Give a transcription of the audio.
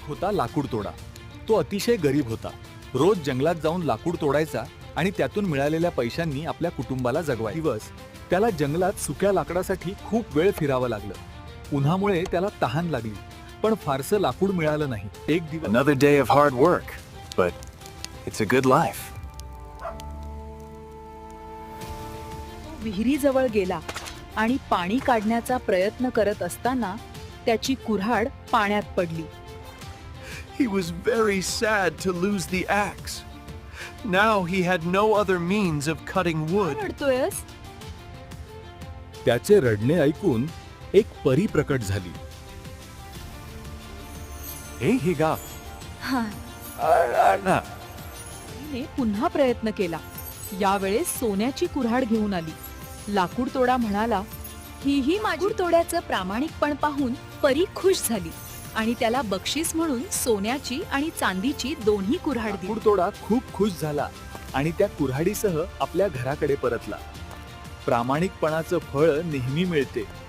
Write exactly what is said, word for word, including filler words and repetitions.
होता लाकूड तोडा. तो अतिशय गरीब होता. रोज जंगलात जाऊन लाकूड तोडायचा आणि त्यातून मिळालेल्या पैशांनी आपल्या कुटुंबाला जगवायचा. दिवस त्याला जंगलात सुक्या लाकडासाठी खूप वेळ फिरावं लागलं. उन्हामुळे त्याला तहान लागली, पण फारसं लाकूड मिळालं नाही. एक दिवस Another day of hard work, but it's a good life. विहिरीजवळ गेला आणि पाणी काढण्याचा प्रयत्न करत असताना त्याची कुऱ्हाड पाण्यात पडली. He was very sad to lose the axe. Now he had no other means of cutting का wood. रडतोयस? त्याचे रडणे ऐकून एक परी प्रकट झाली. Hey, Higa. हा. Anna. तिने पुन्हा प्रयत्न केला. यावेळेस सोन्याची कुऱ्हाड घेऊन आली. लाकूड तोडा म्हणाला, ही ही माझी तोड्याचं प्रामाणिकपण पाहून परी खुश झाली आणि त्याला बक्षीस म्हणून सोन्याची आणि चांदीची दोन्ही कुऱ्हाड दिली. लाकूड तोडा खूप खुश झाला आणि त्या कुऱ्हाडीसह आपल्या घराकडे परतला. प्रामाणिकपणाचं फळ नेहमी मिळते.